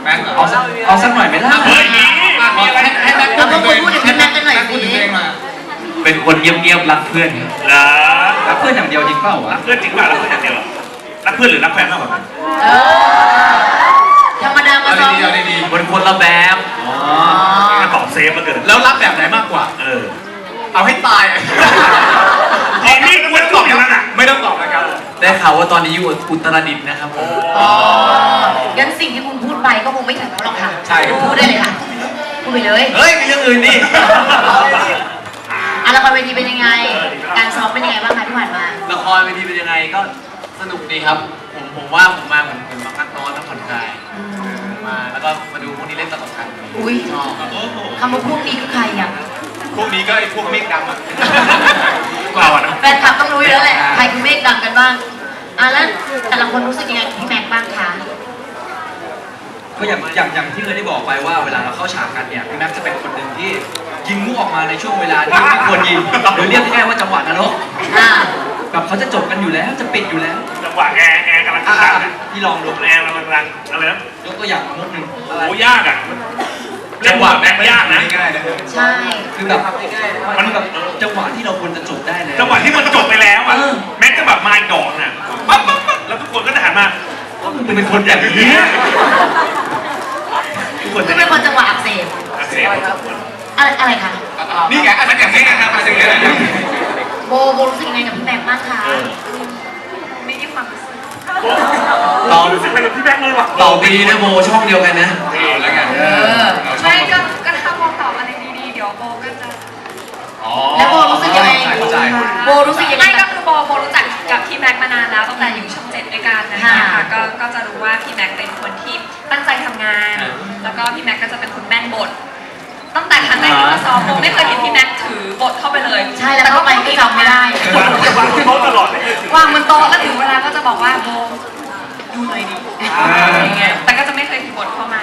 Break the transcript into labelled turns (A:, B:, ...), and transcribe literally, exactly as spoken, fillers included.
A: ม็ก
B: เอาเอาสักหน่อยไหมล่ะ
C: เฮ้ยมีมีอะไร
A: ให้แม็กพูดถึงตัวเองให้แม็กกันหน่อยพูดถึงตัวเองมา
B: เป็นคนเงียบๆรักเพื่อน
C: เหรอ
B: รักเพื่อนอย่างเดียวจริงเปล่าวะ
C: รักเพื่อนจริงป่ะรักเพื่อนอย่างเดียวรักเพื่อนหรือรักแฟนมากกว่ากัน
A: ธรรมดามาซ้อม
B: เป็นคนละแบบ
C: อ๋อตอบเซฟมาเกิน
A: แล้วรักแบบไหนมากกว่า
C: เออ
A: เอาให้ตาย
C: ตอนนี้ควรตอบอย่างนั้นอ่ะ
A: ไม่ต้องตอบนะครับ
B: ได้ข่าวว่าตอนนี้อยู่อุตรดิตถ์นะครับผม
A: อ๋อ
D: งั้นสิ่งที่คุณพูดไปก็คงไม่ถึงหรอกค่ะ
A: ใช่
D: พูดได้เลยค่ะพูดไปเลย
B: เฮ้ยมีเรื่องอื่นดิ
D: อ่ะละครเวทีเป็นยังไงการซ้อมเป็นยังไงบ้างคะที่ผ่านมา
B: ละครเวทีเป็นยังไงก็สนุกดีครับผมผมว่าผมมาเหมือนผมมาพักนอนแล้วผ่อนคลายมาแล้วก็มาดูพวกนี้เล่นตลกกัน
D: อุ้ยคำว่าพวกนี้คือใครอ่ะ
A: พวกนี้ก็ไอ้พวกเมฆดำอ่ะ
C: เราอ่ะ
D: แฟนคลับต้องรู้อยู่แล้วแหละใครคือเมฆดำกันบ้างอ่ะแล้วแต่ละคนรู้สึกยังไงกับพี่แม็กบ้างคะ
B: ก็อย่างอย่างอย่างที่เคยได้บอกไปว่าเวลาเราเข้าฉากกันเนี่ยพี่แม็กจะเป็นคนหนึ่งที่ยิงมุกออกมาในช่วงเวลาที่ไม่ควรยิงหรือเรียกง่ายๆว่าจังหวะนรกแบบเขาจะจบกันอยู่แล้วจะปิดอยู่แล้ว
C: จังหวะแอร์แอร์กำลังดัง
B: ที่ลองดู
C: แอร์กำลังดังอะไรนะ
B: ยกตัวอย่างมุกหนึ่ง
C: โอ้ยากอ่ะจังหวะแม็กยากนะ
D: ใช่
B: คือแบบมันแบบจังหวะที่เราควรจะจบได้แล้ว
C: จังหวะที่มันจบไปแล้วอ่ะแม็กจะแบบมาดอกน่ะปั๊บปั๊บปั๊บแล้วทุกคนก็จะหันมา
B: คุณเป็นคนแบบนี้
D: ทุกคนเป็นคนจังหวะอักเสบ
C: อักเสบ
D: อะไรอะไรคะ
A: นี่ไงอะไรอย่างนี้นะครับอะไรอย่างนี้
D: โบโบรู้สึกยังไงกับพี่แม็กบ้างคะไม่ได้ความรู้สึก
C: ต่อรู้สึกอะไรกับพี่แม็กเลยว่ะ
B: ต่อปีนะโบช่องเดียวกันนะ
A: แล้วกัน
D: ไม่ก็ก็ถ้าโบตอบอะไรดีๆเดี๋ยวโบก็จะแล้วโบรู้สึกยังไงโบรู้สึกยังไง
E: ไม่ก็คือโบโบรู้จักกับพี่แม็กมานานแล้วตั้งแต่อยู่ช่องเจ็ดด้วยกันนะคะก็ก็จะรู้ว่าพี่แม็กเป็นคนที่ตั้งใจทำงานแล้วก็พี่แม็กก็จะเป็นคนแม่นบทตั้งแต่ครั้งแรกที่มาซ้อมโบไม่เคยเห็นพี่แม็กถือบทเข้าไปเลย
D: ใช่แล้วก็ไปก็จำไม่ได้